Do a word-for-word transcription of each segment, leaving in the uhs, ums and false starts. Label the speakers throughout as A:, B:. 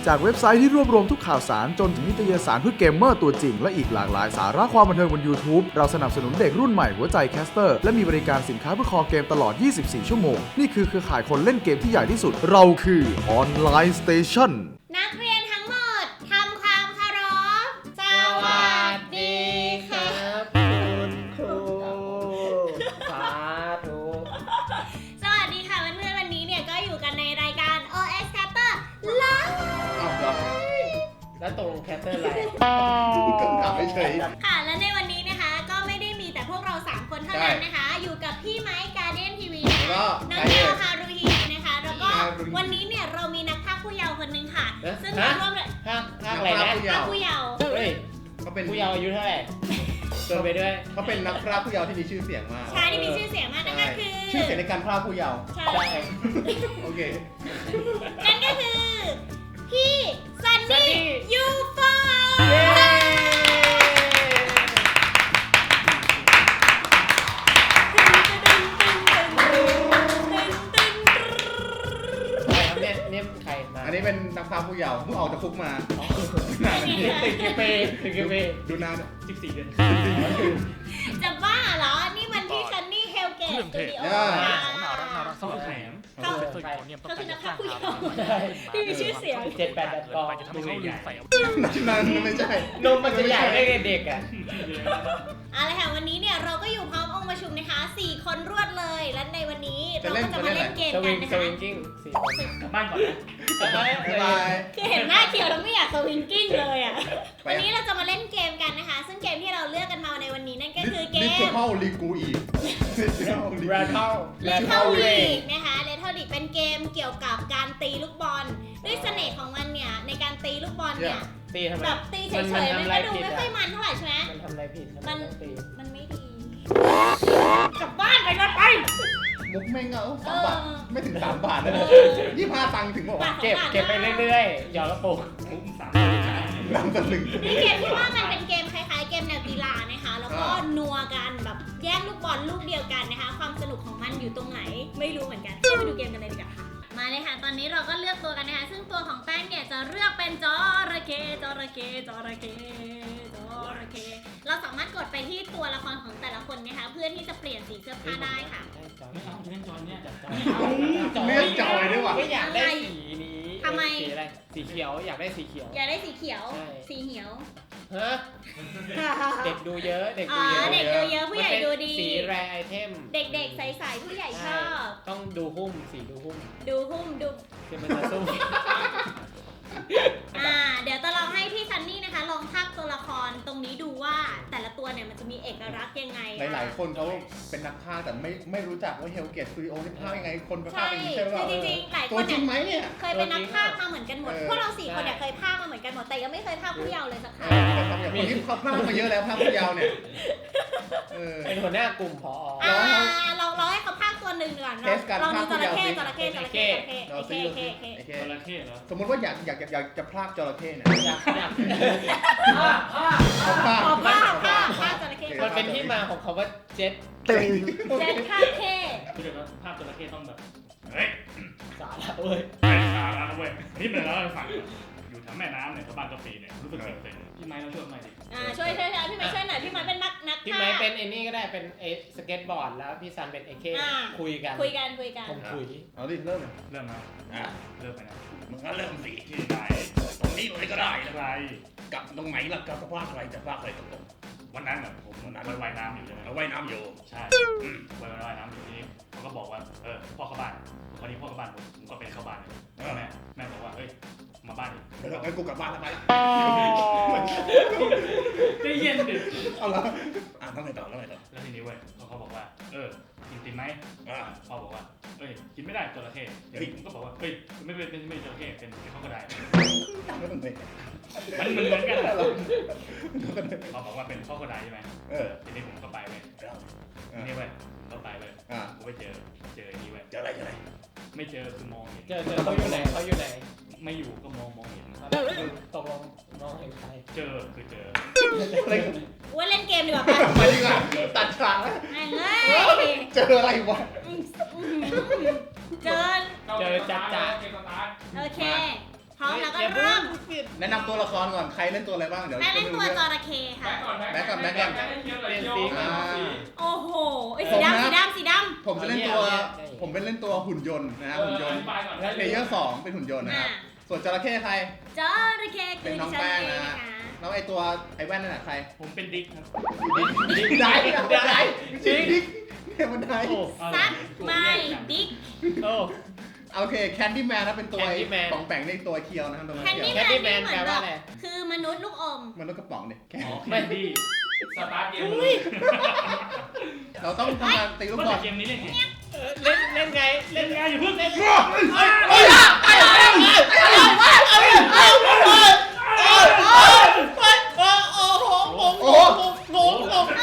A: จากเว็บไซต์ที่รวบรวมทุกข่าวสารจนถึงนิตยสารเพื่อเกมเมอร์ตัวจริงและอีกหลากหลายสาระความบันเทิงบน YouTube เราสนับสนุนเด็กรุ่นใหม่หัวใจแคสเตอร์และมีบริการสินค้าเพื่อคอเกมตลอด ยี่สิบสี่ ชั่วโมงนี่คือเครือข่ายคนเล่นเกมที่ใหญ่ที่สุดเราคือออนไลน์สเตชัน
B: นักเรียนทั้งหมดทำความเคารพสวัสดีครับ
C: คุณครูสาธุ
B: สวัสดีค่ะเพื่อนๆวันนี้เนี่ยก็อยู่กันในรายการ โอ เอส Caster Live
C: อ้าวเหรอแล้วตรงแคสเตอร์อะไร
D: คำถามไม่เฉย
B: ค่ะและในวันนี้นะคะก็ไม่ได้มีแต่พวกเราสามคนเท่านั้นนะคะอยู่กับพี่ไมค์การ์เด้นทีวีนะคะน้องเกลฮารุฮินะคะแล้วก็วันนี้เนี่ยเรามีนักพากย์ผู้เยาว์คนนึงค่ะซึ่งมาร่วมเลย
C: ภาคภาคอะไรนะ
B: พากย์ผู้เยาว์
C: เฮ้ยเขาเป็นผู้เยาว์อายุเท่าไหร่จนไปด้วย
D: เขาเป็นนักพากย์ผู้เยาว์ที่มีชื่อเสียงมาก
B: ใช่ที่มีชื่อเสียงมากนั่นก็คือ
D: ชื่อเสียงในการพากย์ผู้เยาว์
B: ใช่
D: โอเค
B: นั่นก็คือพี่ซันนี่ยูโฟ
D: อันนี้เป็นนักพากย์ผู้เยาว์เพิ่งออกจากคุกมา
C: ติดกี่ปีติดกี่ปี
D: ดูนาน
C: สิบสี่เดือน
B: จะบ้าเหรอนี่มันที่ซันนี่เฮลเกตสตูดิโอ
E: น่ารักน่ารักสนุกแถม
B: เขาคือนักพากย์ผู้เยาว์ที่มีชื่อเสียง
C: เจ็ดแปดกอง
E: จะทำให้เขาลืมใส่
D: นั่นไม่ใช่
C: นมมันจะใหญ่ได้ไงเด็กอ่ะ
B: อะไรค่ะวันนี้เนี่ยเราก็อยู่พร้อมองค์ประชุมนะคะสี่คนรวดเลยและในวันนี้เราก็จะมาเล่นเกมกันนะคะ
C: สวิงกิ้งสี่คน
E: กลับบ้านก่อนนะ
C: กลับบ้าน
B: คือเห็นหน้าเขียวแล้วไม่อยากสวิงกิ้งเลยอ่ะวันนี้เราจะมาเล่นเกมกันนะคะซึ่งเกมที่เราเลือกกันมาในวันนี้นั่นก็คือเกม
D: Little League อีก
C: Rattle
B: Little League นะคะ Little League เป็นเกมเกี่ยวกับการตีลูกบอลด้วยเสน่ห์ของมันเนี่ยในการตีลูกบอลเนี่ย
C: ตีทำไม
B: แบบตีเฉยๆมันก็ดูไม่ค่อยมันเท่าไหร่ใช่ไหม
C: มันทำอะไรผิด
B: มันมันไม่ดีกลับบ้านไปกันไป
D: มุกแม่งเอาสามบาทไม่ถึงสามบาทนะยี่สิบห้าตังค์ถึงบอก
C: เก็บเก็บไปเรื่อยๆหยอดกระปุก
E: มุกสาม
D: ลำตะลึง
B: นี่เกมที่ว่ามันเป็นเกมคล้ายๆเกมแนวกีฬานะคะแล้วก็นัวกันแบบแย่งลูกบอลลูกเดียวกันนะคะความสนุกของมันอยู่ตรงไหนไม่รู้เหมือนกันไปดูเกมกันเลยดีกว่าค่ะมาเลยค่ะตอนนี้เราก็เลือกตัวกันนะคะซึ่งตัวของแป้งเนี่ยจะเลือกเป็นจระเข้จระเข้จระเข้จระเข้เราสามารถกดไปที่ตัวละครของแต่ละคนนะคะเพื่อที่จะเปลี่ยนสีเสื้อผ้าได้ค่ะ
E: ไม่เอาเล่นจอยเนี่ย
D: เลือกจอยด้วยว่ะ
C: ไม่อยากได้สีนี้
B: ทำไม
C: สีอะไรสีเขียวอยากได้สีเขียว
B: อยากได้สีเขียวสีเหียว
C: ฮะเด็กดูเยอะเด็กดู
B: เยอะเด็กดูเยอะผู้ใหญ่ดูดี
C: สีแรไอเทม
B: เด็กๆใสๆผู้ใหญ่ชอบ
C: ต้องดูหุ้มสีดูหุ้ม
B: ดูหุ้มดู
C: คือมันจะสู้
B: อ่าเดี๋ยวจะลองให้พี่ซันนี่นะคะลองพากย์ตัวละครตรงนี้ดูว่าแต่ละตัวเนี่ยมันจะมีเอกลักษณ์ยังไง
D: หลายๆคนเขาเป็นนักพากย์แต่ไม่ไม่รู้จักว่าเฮลเกตสตูดิโอนี่พากย์ยังไงคนไปพากย์เป็นใช่ไหม
B: จริงๆหลายค
D: นจริงไหมเนี่ย
B: เคยเป็นนักพากย์มาเหมือนกันหมดพวกเราสี่คนเนี่ยเคยพากย์มาเหมือนกันหมดแต่ยังไม่เคยพากย์ผู้เยาว์เลยสักครั้ง
D: คนที่เขาพากย์มาเยอะแล้วพากย์ผู้เยาว์เนี่ย
C: เป็นหัวหน้ากลุ่มผอ
B: อ่าลองลองให้เขาพากย์ตัวหนึ่งก่อนลองดูจระเข้จระเข้จระเข้จระเข้จระเข้
E: จระเข้เหรอ
D: สมมติว่าอยากอยากอยากจะพากย์จระเข้เนี่ย
C: อยากอยาก
D: ผ้า
B: ผ้าผ้าผ้าผ้าจระเข้
C: มันเป็นที่มาของคำว่าเจ็ต
B: เจ็ตคาเท่
E: คือเดี๋ยวนะภาพจระเข้ต้องแบบเฮ้ย
C: สาระเว้ย
E: สาระเว้ยนี่เป็นแล้วฝั่งอยู่แถวแม่น้ำเนี่ยชาวบ้านกาแฟเนี่ยรู้สึกเซ็งๆพี่ไม้ต้องช่วยหน่อยดิ
B: อ่าช่วยช่วยพี่ไม้ช่วยหน่อยพี่ไม้เป็นนักนัก
C: พี่ไม้เป็นไอ้นี่ก็ได้เป็นไอ้สเก็ตบอร์ดแล้วพี่ซันเป็นไอ้เคคุยกัน
B: คุยกันคุยกัน
C: ผมคุย
D: เอาดิเริ่ม
E: เริ่มนะอ่าเริ่มไปนะ
D: มึงก็เริ่มสิ
E: ที่ไหน
D: ตรงนี้เลยก็ได้
E: อะไร
D: กับตรงไหนล่ะกับพากอะไรจะพากอะไรตรง
E: วันนั้นแบบผมวันนั้นว่ายน้ำอยู่ใช่ไหม
D: ว่ายน้ำอยู่
E: ใช่ว่ายว่ายน้ำอยู่ที่เขาก็บอกว่าเออพ่อเข้าบ้านคราวนี้พ่อเข้าบ้านผมผมก็ไปเข้าบ้านแม่แม่บอกว่าเฮ้ยมาบ้านดิ
D: เดี๋ยวงั้นกูกลับบ้านแล้วไป
E: ได้เย็นดิ
D: เอาละอ่ะต้องไงต่อต้องไงต่อ
E: แล้วทีนี้เว้ยเขาเขาบอกว่าเออกินติมไหมอ่าพ่อบอกว่าเอ้ยกินไม่ได้จระเข้เฮ้ยผมก็บอกว่าเฮ้ยไม่เป็นไม่ไม่จระเข้เป็นข้าวกระได
D: ไม่ต้องไป
E: มันเหมือนกันเขาบอกว่าเป็นข้าวกระไดใช่ไหมเออทีนี้ผมก็ไปเลยทีนี้เว้ยก็ไปเลยอ่าผมไปเจอเจอนี่เว้ย
D: เจออะไรเจออะไร
E: ไม่เจอคือมองเห็น
C: เจอเจอเขาอยู่ไหนเขาอยู่ไหน
E: ไม่อยู่ก็มองมองเห็น
C: ตกลงมองเห็นใคร
E: เจอคือเจอ
B: ว่าเล่นเกมดีกว่า
D: ไปดีกว่าตัดฉากแล้วเจออะไรวะ
B: เจอ
C: เจอจัดจ้า
B: โอเคพร้อมแล้วก็เริ่ม
D: แนะนำตัวละครก่อนใครเล่นตัวอะไรบ้างเดี๋ยว
B: แม่เล่นตัวจ
D: จะ
B: ระเข้ค่ะ
D: แบ็คก่อนแบ็คก่อน
C: เปลี่ยนสี
D: อ่า
B: โอ้โหไอ้สีดำสีดำสีดำ
D: ผมจะเล่นตัวผมเป็นเล่นตัวหุ่นยนต์นะฮะหุ่นยนต์เพลเยอร์สองเป็นหุ่นยนต์นะครับส่วนจระเข้ใคร
B: จระเข้คือดิฉันเองนะคะ
D: แล้วไอตัวไอแว่นนั่นแหละใคร
E: ผมเป็นดิ๊กครับ
D: ดิ๊กได้ได้จริงดิ๊กเนี่ยมันได้
B: ซัดไม่ดิ๊ก
C: โอ้
D: โอเคแคนดี้แมนนะเป็นตัวไอ้
C: Candyman
D: ป๋องแปงในตัวเคียวนะครับตัว
B: แคนดี้
D: เคียว
B: แมนนี่เหมือนแบบคือมนุษย์ลูกอม
D: มันต้องกระป๋องเนี่ย
E: อ๋อแคนดี้สตาร์ทเกมเลย
D: เราต้องทำการตีลูกบอล
E: เกมนี้เล่นไง
C: เล่นเล่นไง
E: เล่นไงอยู่เพิ่งเล่น
D: เฮ้ยเฮ้ยไอ้ไอ้ไอ้ไอ้
C: โอ้โหงงงงงงง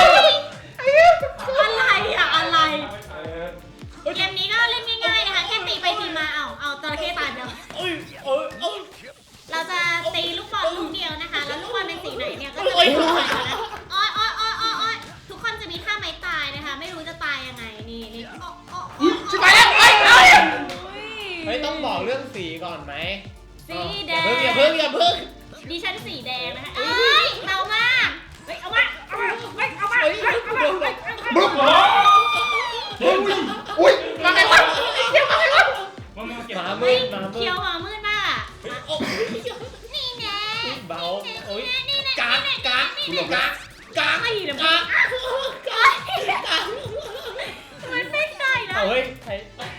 B: อะไรอะอะไรเกมนี้ก็เล่นง่ายๆนะคะแค่ตีไปตีมาเอาเอาจระเข้ตายไปแล้ว
C: เอ้ยเอ้ยเอ้ย
B: เราจะตีลูกบอลลูกเดียวนะคะ แล้วลูกบอลเป็นสีไหนเนี่ยก็จะเป็นสีไหนนะอ้อยอ้อยอ้อยอ้อยอ้อยทุกคนจะมีท่าไม้ตายนะคะ ไม่รู้จะตายยังไงนี่นี่อ้ออ้ออ้อ
D: ชิบหายแล้วไอ้ไอ้
C: เฮ้ยต้องบอกเรื่องสีก่อนไหม
B: สีแด
C: อย่าง เพิ่งอย่าเพิ่งอย่าเพิ่ง
B: ดิฉันสีแดงนะคะเอ้ยเบามากเฮ้ยเอามาเอามาเฮ้ยเอามาเฮ้ยเอามาเฮ้ย
D: บึ้มอุ้ยมาไงวะเดี๋ยวมาไงวะ
E: มันมาเก็บ
C: หมา
B: เฮ้
C: มื
B: ย
C: ดหมามื
B: เคียว
C: ด
B: หมามืดมาก
C: โอ้
B: นี่แน่
C: เบาโอ้ย
B: นี่แน่
C: กากกากกากกาก
B: ไม่เดี๋ยว
C: กากกากกาก
B: มันไม่ได้แล้ว
C: เฮ้ยใคร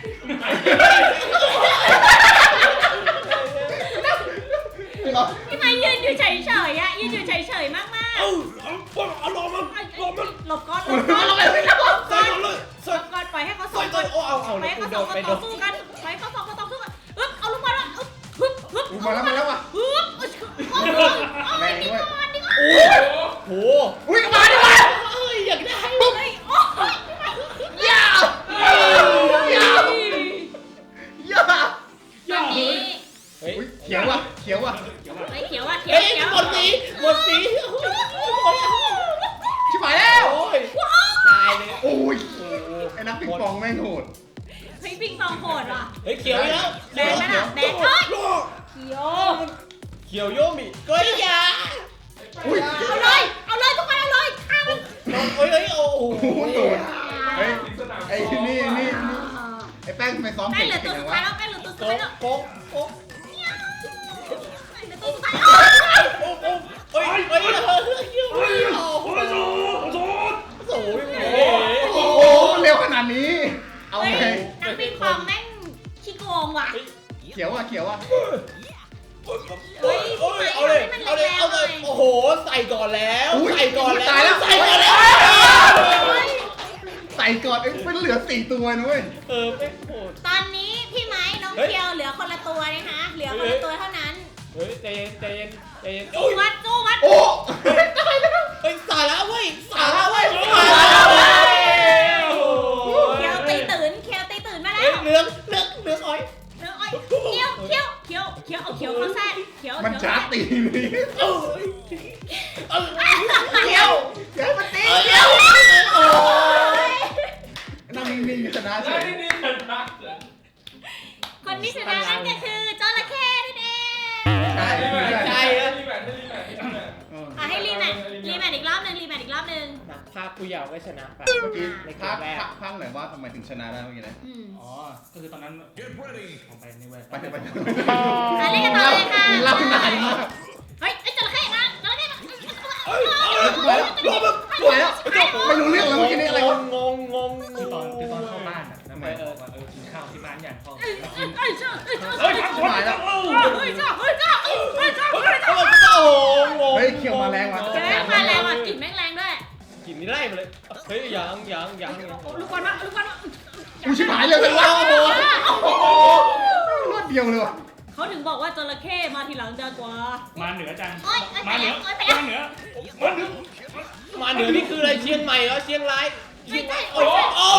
B: พี่ไม้ยืนอยู่เฉยๆอะยืนอยู่เฉยๆมากๆ
C: เอ้าเอาเอาลงมันลงมัน
B: หลบก่อนหลบก่อนหลบก่อนหลบก่อน
C: เลย
B: หลบก่อนปล่อยให้เขาส
C: ใส่
B: องค
C: ตัวน โอ้เอาเอา
B: ปล่อยให้เขาสองคนต่อสู้กันปล่อยให้เขาสองคนต่อสู้กันอึ๊บเอาลูกบอลมาอึ๊บฮึบฮึบ
D: มาแล้วมาแล้วว่ะ
B: ฮึบอึ๊บโอ้โหเอาไอ้นี่ก่อนนี่ก่อน
C: โอ้โห
D: อุ้ยมาดิวะ
C: เอ้ยอยากได้
B: เฮ้ยโอ้ย
D: ยาวยาวยาว
B: วันนี้
C: เฮ้ย
D: อุ้ยเขียวว่ะเขียวว่ะ
B: เฮ้ยเขียวอ่ะเขียว
C: เฮ้ย
B: เขียว
C: หมดสีหมดสี
D: ชิบหายแล้ว
C: โอ้ยตายเลย
D: โอ้ยไอ้นักปิงปองแม่งโหด
B: เฮ้ยปิงปองโหดว่ะ
C: เฮ้ยเขียวแล้ว
B: แดงไหมล่ะแดงเฮ้ยเขียว
C: เขียวโยมิก็ยา
D: อุ้ย
B: เอาเลยเอาเลยทุกคนเอาเลยข้ามมัน
C: เฮ้ยเฮ้ยโอ้โห
D: โอ้โหโดนเฮ้ยไอ้นี่นี่ไอ้แป้งทำไมซ้อม
B: แป้
D: เก่
B: ง
D: ง
B: เหลือ
D: จั
B: ตัว
D: ง
B: สุด
D: วะ
B: ท้ายแล้วแป้งเหลือตัวสุด
C: โก๊
B: ท้าย
C: ก
B: แล้ว
C: โก๊กโก๊ก
B: แป้งเหลือตัวสุดท้าย
C: โอ้โหเฮ้ยเฮ้ยเฮ้ยโอ้โหโอ้โห
D: โอ้โหเร็วขนาดนี้ เอา
B: เฮ้ย
D: ไง
B: นักปิงปองแม่งขี้โกงว่ะ
D: เขียวอ่ะเขียวอ่ะ
C: เฮ้ยเอาเลยเอาเลยเอาเลยโอ้โหใส่ก่อนแล้วใส่ก่อนแล้ว
D: ตายแล้ว
C: ใส่ก่อนแล้ว
D: ใส่ก่อนเอ้ยมันเหลือสี่ตัวนะเว้ย
C: เออไม่โหด
B: ตอนนี้พี่ไม้น้องเคียวเหลือคนละตัวนะคะ เหลือคนละตัวเท่านั้น
C: เฮ้ยใจเย็นใจเย็นใจเย็น
B: จูวัดจูวัด
D: โอ้
C: เฮ้ยสาระเว้ยสาระเว้ยสาระเว้ย
B: เคียวตีตื่นเคียวตีตื่นมาแล้
C: เฮ้ยว เหลืองเหลืองเหลืองอ้อย
B: เนื้ออ้อยเคียวเคียวเคียวเคียวเอาเคียวเขาแซ่เคียว
D: มัน
B: เคียว
D: ช้าตีนี่
C: เออเออ
B: เคียว
D: เดี๋ยวมันตี
C: เดี๋ยวโอ้ย
D: นั่งนิ่งๆชนะเฉย
B: คนที่ชนะนั่นก็คือจระเข้นั่นเอง
D: ใช่
C: ใจอะ
B: อ่ะให้รีแมทรีแมทอีกรอบหนึ่งรีแมทอีกรอบหนึ่ง
C: นักภาคผู้เยาว์ก็ชนะไป
D: เมื่อกี้
C: ในเก
D: ภาม ค
C: แรก
D: ภาคภาคไหนว่าทำไมถึงชนะได้เมื่อกี้นะ
B: อืม
E: อ๋อ ก็คือตอนนั้นผมไปนี่เว้ย
D: ไปเถอะไปเถอะ
B: อ่ะเล่นกันต่อเลยค่ะ
D: เล่านานมาก
B: เฮ้ยไอ้จระเข้มาจระเข้มา
D: ไปแล้วไปแล้วไม่รู้เรื่องแล้วเมื่อกี้นี่อะไรวะ
C: งงงง
E: คือตอนคือตอนเข้าบ้านอ่ะแล้วแม่บอกว่าเออกินข้าวที่บ้านอย่างพ่อ
B: เอ้ยเอ้ยเอ้ยเจ้าเอ้ยเจ้า
E: เฮ้
B: เอ้
E: ย
B: ย
E: ทำคนแล้ว
B: เฮ้ยเจ้าเฮ้ยเจ้าเฮ้ยเจ้าเฮ้ยเจ้า
C: โอ้โหงง
D: เฮ้ยเขียวมาแรงว่ะ
B: แรงมาแรงว่ะกลิ่นแม่งแรงด้วย
C: กินนี่ไล่มาเลยเฮ้ยยังยังยัง
B: ลูกบอลมาลูกบอลมา
D: กูชิบหายเลยเลยวะโอ้โหรอดเดียวเลยว่ะ
B: เขาถึงบอกว่าจระเข้มาทีหลังจะกว่า
E: มาเหนือจัง
B: โอ๊ยโอ๊ย
E: มาเหนือ
B: โอ๊ยไป
E: มา
B: แล้ว
E: เหนือมาเหนือ
C: มาเหนือนี่คืออะไรเชียงใหม่เหรอเชียงรายเชียงราย
B: โอ๊ย
C: โอ้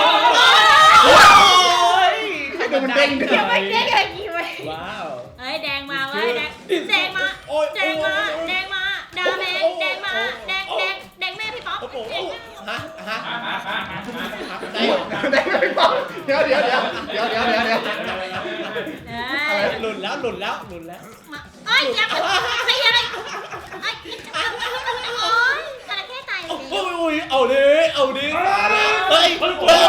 C: ย
D: ไอ้ตัวมันเด้งเด้
B: เดี๋ยว
D: ง
B: ไปเด้งอะไรกี่ไว้
C: ว้าว
B: เฮ้ยแดงมาเว้ยแดงแดงมาแดงมาแดงมาดาแมงแดงมาแดงแดงแดงแม่พี่ป๊อป
C: โอ้โหฮะฮะได้
D: ได้ไหมพี่ป๊อปเดี๋ยวเดี๋ยวเดี๋ยวเดี๋ยวเดี๋ยวเดี๋ยวเดี๋ยว
B: เอ
D: อะ
C: หลุดแล้วหลุดแล้วหลุดแล้ว
B: มาเอ้ยอย่าใครอะไรเอ้ยโอ๊ยจระเข้ตายเลย
C: โอ้ยโอ้ยเอาดิเอาดิเฮ้ย
E: เฮ้ย
C: เฮ้ย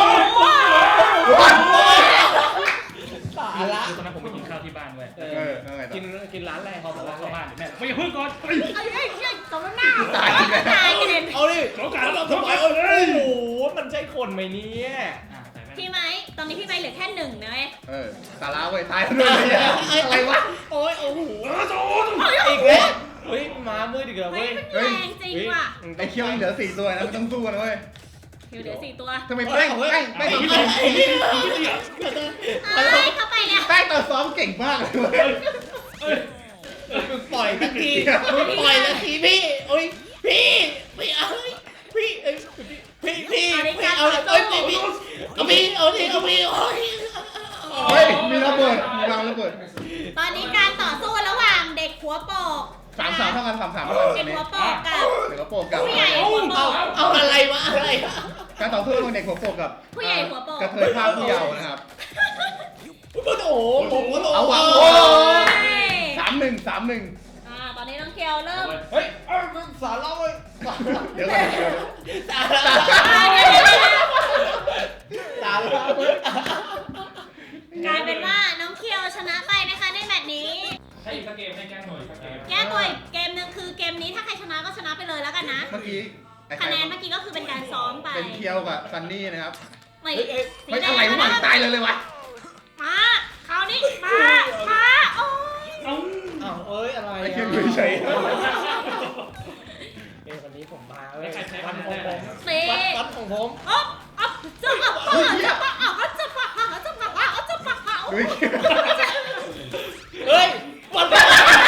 E: สาระตอนนั้นผมไปกินข้าวที่บ้านเว้ย
C: เออกินกินร้านอะไร
E: พ่อบอกว่าเข้าบ้านแม่ไม่อย่าเพิ่งก่อนเฮ้ย
B: เอ้ยเอ้ยเอ้ยตบหน้าตายตายกันเลย
C: เอาดิ
E: โอกาส
C: เรา
E: เรา
C: ส
E: ส
C: บา
E: บาย ย
C: โอ้
E: เลย
C: โหมันใช่คนไหมเนี่ย
E: อ่ะใส่แว่น
B: พี่ไม้ตอนนี้พี่ไม้เหลือแค่หนึ่งนะเว้ย
D: เออสาระเว้ยตายแล้วด้วยเนี่ยอะไรวะ
C: โอ้ยโอ้โห
E: เออโจ้
C: อีกแล้วเฮ้ยมามืดอีกแล้ว
B: เฮ้
C: เว้
B: ย
C: ย
B: มันแรงจริงว่ะ
D: ไอ้เคี้ยวยังเหลือสี่ตัวนะไม่ต้องสู้นะเว้ย
B: เดี๋ยวเหลือสี่ตัว
D: ทำไมแป้งแป้งแป้ง
E: ไอ้
D: ต่อ
E: ที่
D: ซ้อม
E: ไอ้ที่ไอ้ที่
B: เอ้ยเข้าไปเนี่ย
D: แป้งต่อซ้อมเก่งมากเลยเว้ย
C: มึงปล่อยสักทีมึงปล่อยสักทีพี่โอ้ยพี่พี่เอาพี่เอ้ยพี่พี่พี่เอาเอ้ยพี่พี่เอาพี่เอาดิเอาพี่โอ้ย
D: เฮ้ยมีระเบิดมีวางระเบิด
B: ตอนนี้การต่อสู้ระหว่างเด็กหัวโปก
D: สามสามเท่ากันสามสามเท่ากัน
B: เด็กหัวโปกกับ
D: เด็กหัวโปกกับ
B: ผู้ใหญ่หัวโป
C: เอา
B: ก
C: เอาอะไรวะอะไร
D: การต่อสู้ระหว่างเด็กหัวโปกกับ
B: ผู้ใหญ่หัวโปก
D: กระเทยภาคผู้เยาว์นะครับ
C: โอ้โหผมก็
D: เอาว่ะ
C: โอ้
D: สามหนึ่งสามหนึ่ง
B: อ่าตอนนี้น้องเคียวเริ่ม
C: เฮ้ยเอ้ยมึงสารเล่าเว้ย
D: เดี๋ยวก่อนเดี๋ยว
C: สารเล่า
B: อ่าเดี๋ยวเดี๋ยวเดี๋ยว
C: สารเล่าเว้ย
B: กลายเป็นว่าน้องเคียวชนะไปนะคะในแมตช์นี้
E: ให้อีกสักเกมให้แก้หน่อยสักเกม
B: แก้ตัวอีกเกมหนึ่งคือเกมนี้ถ้าใครชนะก็ชนะไปเลยแล้วกันนะ
D: เมื่อกี้ไอ้ใคร
B: คะแนนเมื่อกี้ก็คือเป็นการซ้อมไป
D: เป็นเคียวกับซันนี่นะครับ
B: ไม่
C: เฮ้ยเอ้ย
B: สี
D: ไม่
B: แด
D: อะไร
B: ง
D: วะตายเลยเลยวะ
B: มาคราวนี้มามาโอ้ย
E: เอ้า
C: อ้าวเอ้ยอะไร
D: ไอ้
C: อ่ะ
D: เคียวอยู่เฉย
C: เอ้ยวันนี้ผมมาเว้ย
E: ใครใช้
C: วั
E: วัน น
C: ของ
E: ได้
C: ผม
B: สี
C: วัดวัดของผม
B: อ๊อบอ๊อบจะอ๊อบอ๊อบจะอ๊อบอ๊อบจะอ๊อบอ๊อบจะอ๊อบอ๊อบจะอ๊อบอ๊อบ
D: เฮ้ย
C: เฮ้ยวัด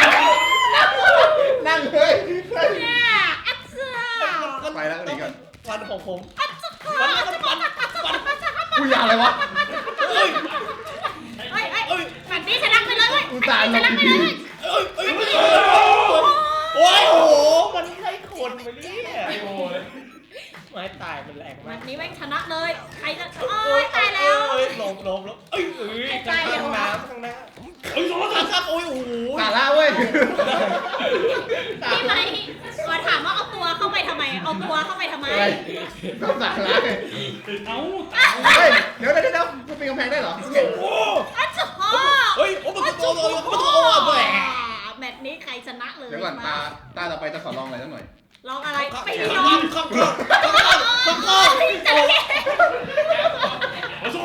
D: นั่งเฮ้ย
B: เนี่ยอัดเสือ
D: ไปแล้วหนีก่อน
C: วันของผม
B: อัดจะอ๊อบอัดจะอ๊อบอัดจะอ๊อบอัดจะอ๊อบ
D: กูยาอะไรวะ
C: เฮ้ย
B: เฮ้ยเฮ้ย
C: เฮ้ย
B: แบบนี้ชนะไปเลยเว้ย
D: อุตส่าห์
B: ชนะไปเลย
C: เอ้ยเอ้ยโอ้ยโอ้โหมันใช่คนไปเนี่ย
E: ไอ้โอ้ย
C: ไม้ตายมันแรง
B: วั
C: มาน ก
B: นี้แม่งชนะเลยใครจะโอ้ยตายแล้ว
C: เอ้ยลมลมลมเอ้ยเอ้ยข้างน้ำข้างหน้า
E: เฮ้ยโจ้
C: ครับครับโอ้ยโอ้โห
D: สาระเว้ย
B: พี่ไหมขอถามว่าเอาตัวเข้าไปทำไม เอาตัวเข้าไปทำไม
D: อะไรต้องสาระเลย
E: เอ้า
D: เฮ้ยเดี๋ยวเดี๋ยวเดี๋ยวมันเป็นกำแพงได้เหรอ
C: โอ้โห
B: อัจฉริยะ
C: เฮ้ยโอ้มันโตเลยมันโตเลย
B: แมตช์นี้ใครชนะเลย
D: เดี๋ยวก่อนตาตาต่อไปจะขอลองอะไรสักหน่อย
B: ลองอะไร
C: ข้าง
B: ไป
C: ข้าง
B: ลอง
C: ข้างข้างข้างข้างข้าง
B: จระเข้
E: โอ้โจ้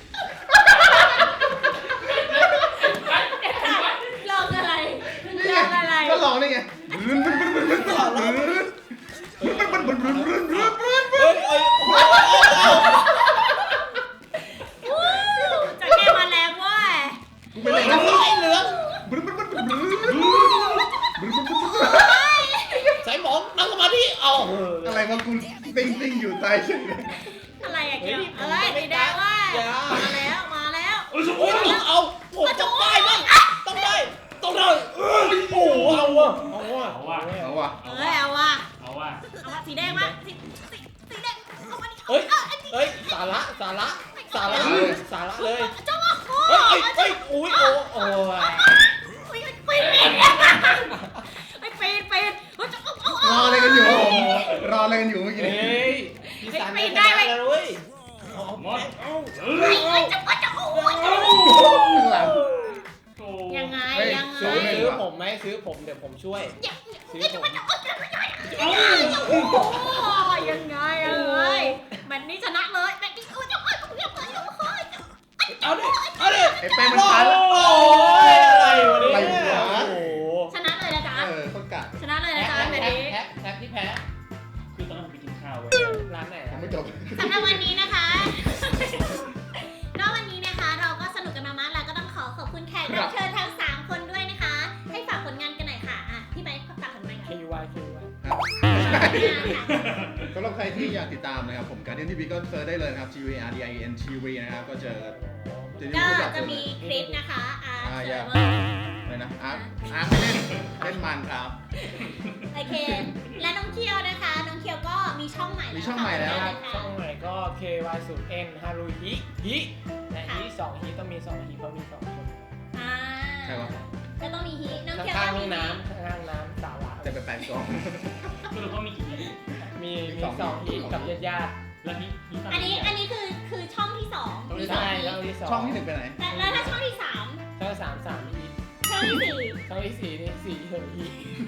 B: ลองอะไร
D: นี่
B: ล
D: ไง
B: องอะไร
D: ก็ลองนี่ไงรึนรึนรึนรึนรึนรึนรึนรึนรึนรึนรึนรึนรึนรึน
C: เฮ้ยเฮ้ย
B: วู้จระเข้มาแรงเว้ย
D: กูเป็น
C: เฮ้
D: ไร
C: ย
D: นะ
C: ไอ้เหลือง
D: บึ้นบึ้นบึ้นบึ้นบึ้นบึ้นบึ้นบึ้นบึ้น
C: สายหมองนั่งสมาธิเอา
D: อะไรวะกูติ้งติ้งอยู่ตายเฉยเลย
B: อะไรอะเกี่ยวเอ้ยสีแดงเว้ยมาแล้ว มาแล้ว
E: โอ้โจ้
C: โอ้ยเอาผมต้องได้บ้างต้องได้ต้องได้เอ้ยโอ้เอาว่ะเอาว่ะ
E: เอาว่ะ
D: เอาว่ะ
B: เอ้ยเอาว่ะ
E: เอาว่ะ
B: เอาว่ะสีแดงวะสีสีสีแดงเอามาดิ
C: เฮ้ย
B: เอาอันนี้
C: เฮ้ยสาระสาระสาระสาระเลย
B: จ้าโอ้
C: เฮ้ยเฮ้ยโอ้ยโอ้โอ้
B: ยปีนไอ้ปีนปีนเฮ้ยจะเอาเอา
D: ร
B: เอา
D: ออะไรกันอยู่รออะไรกันอยู่เมื่อกี้
C: เฮ้
D: นี้
C: ยพี่สันได้แล้วเว้ย
E: หมดเอ้าเอ
B: ไอ้
E: อ
B: ไอ้จะมาจะโอ้ย
D: ข้างหลัง
E: โอ้
B: ยังไงยังไง
C: ซื้อซื้อผมไหมซื้อผมเดี๋ยวผมช่วย
B: ยังไอ้จะมาจะโอ้ยยังไง
E: เอ้า
B: โอ้ยยังไงยังไงแมตช์นี้ชนะเลยแมตช์นี้โอ้ยยังไงยังไงยังไง
C: เอาดิเอาดิ
D: ไอ้แป้งมันพัน
C: โอ้ยอะไรวะเนี่ยโอ้โห
B: ชนะเลยนะจ๊ะ
D: เออคนกัด
B: ชนะเลยนะจ๊ะแมตช์นี้
C: แพ้แพ้ที่แพ้
E: คือตอนนั้นผมไปกินข้าวเว้ย
C: ร้านไหน
D: ยังไม่จบ
B: สำหรับวันนี้นะคะนอกวันนี้นะคะเราก็สนุกกันมามากแล้วก็ต้องขอขอบคุณแขกรับเชิญทั้งสามคนด้วยนะคะ ให้ฝากผลงานกันหน่อยค่ะอ่ะพี่ไบค์ฝากผลงาน
C: คิ
B: ค่ะ
C: ววายคิววาย
D: สำหรับใครที่อยากติดตามนะครับผมการเดียนทีวีก็เซิร์ชได้เลยนะครับ G V A R D I E N ที วีนะครับก็เจอจะ
B: ก็
D: รู้จัก
B: จะมีคลิปนะคะอาร์
D: อ่า
B: เซ
D: อย่า
B: อร์เวอร์
D: อะไรนะอาร์อาร์ไม่เล่นเล่นมันครับ
B: โอเค และน้องเคียวนะคะ น้องเคียวก็มีช่องใหม่แล้ว
D: มีช่องใหม่แล้ว
B: ฝาก
C: ช่อง
B: ผลงานหน่อยค่ะ
C: ใหม่ก็ เค วาย ศูนย์ เอ็น ฮารุฮิฮิและฮิสองฮิต้องมีสองฮิเพราะมีสองคน
B: อ่า
D: ใครวะ
B: ก็ต้องมีฮีน้องเคียว
C: ข้าง
B: ก็
C: ห้
B: มี
C: องน้ำข้างน้ำสาระ
D: จะไปแปดกล่อง
E: สรุปว่ามีกี่ที
C: มีมีสองทีกับญาติญาติ
E: แล้วนี่นี่
B: อันนี้อันนี้คือคือช่องที่สอง
C: ช่อง
B: มี
C: ที่
B: สอง
C: ใช่
B: ฮี
C: ช่องที่สอง
D: ช่องที่หนึ่งไปไหน
B: แต่แล้วถ้าช่องที่สาม
C: ช่องสามสามอี
B: ช่องที่สี่
C: ช่องที่สี่นี่สี่เฮอร์อี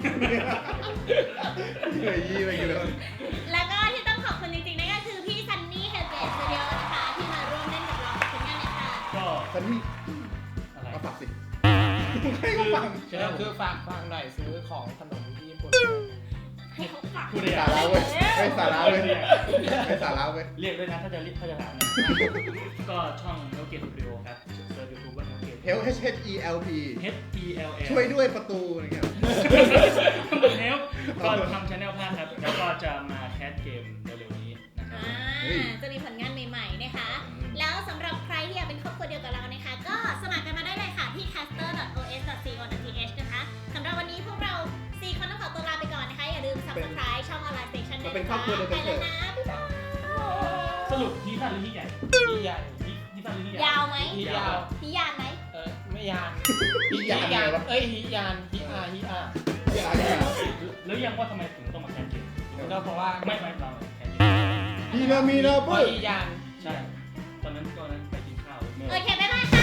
D: เฮ้ยยี่ไปกันเลย
B: แล้วก็ที่ต้องขอบคุณจริงๆนั่นก็คือพี่ซันนี่เฮลเกตสตูดิโอนะคะที่มาร่วมเล่นกับเราขอบคุณมากเลยค่ะ
E: ก็
D: ซันนี่
E: อะไร
D: มาฝากสิให้เขาฟัง
C: ก็คือฝากฟังหน่อยซื้อของขนมที่ญี่ปุ่น
B: ให้เขาฝาก
E: พูดได้
D: สา
E: ยัง
D: ระเว้ยไม่สาระเว้ยไม่สาระเว้ย
E: เรียกด้วยนะถ้าจะเรียกถ้าจะถามนะก็ช่องเฮลเกตสตูดิโอครับเซิร์ชยูทูบว่าเฮลเกต
D: Help H H E L P
E: H E L L
D: ช่วยด้วยประตูอะไรเงี้ย
E: มันเฮลก็ทำชาแนลภาคครับ แล้วก็จะมาแคสเกมเร็วๆนี้นะครับ
B: อ่าจะมีผลงานใหม่ๆนะคะ แล้วสำหรับใครที่อยากเป็นครอบครัวเดียวกับเรานะคะ ก็สมัครกันมาได้เลยค่ะที่ caster dot o s dot co dot t h นะคะสำหรับวันนี้พวกเราสี่คนต้องขอตัวลาไปก่อนนะคะ อย่าลืม subscribe ช่อง Online Station ด้วย
D: เป็น
B: นะ
D: ครอบครัวเดียวกั
B: ไป
D: นเถ
B: แล้ว
D: อะ
B: นะบ๊ายบาย
E: สรุปที่สั้นหรือที่ใหญ่
C: ที่ใหญ่
E: ที่ที่สั้นหรือที่ใหญ่
B: ยาวไหม
C: ที่ยาว
B: พี่ยานไหม
C: เออไม่ยาน
D: ฮิยานอะไรวะ
C: เอ้ยฮิยานฮิอาฮิอา
D: ฮิยานเนี่ย
E: แล้วยังว่าทำไมถึงต้องมาแคสเกม
C: ก็เพราะว่า
E: ไม่ไม่เราแคสเกม
D: ฮีนามีนา
C: เพ
D: ปุ้
C: ราะ
D: ย
C: ฮิยาน
E: ใช่ ตอนนั้นตอนนั้นไปกินข้าวเมื่อ
B: โอเค บ๊ายบายค่ะ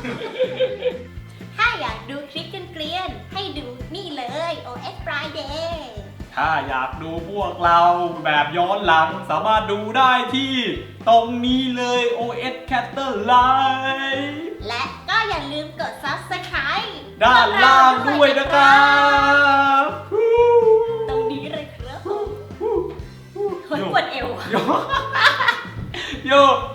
B: ถ้าอยากดูคลิปเกลียนๆให้ดูนี่เลย โอ เอส Friday
F: ถ้าอยากดูพวกเราแบบย้อนหลังสามารถดูได้ที่ตรงนี้เลย โอ เอส Caster Live
B: และก็อย่าลืมกด subscribe
F: ด้านล่างด้วยนะครับ
B: ตรงนี้เลยครับผมคนปวดเอว
F: โยโย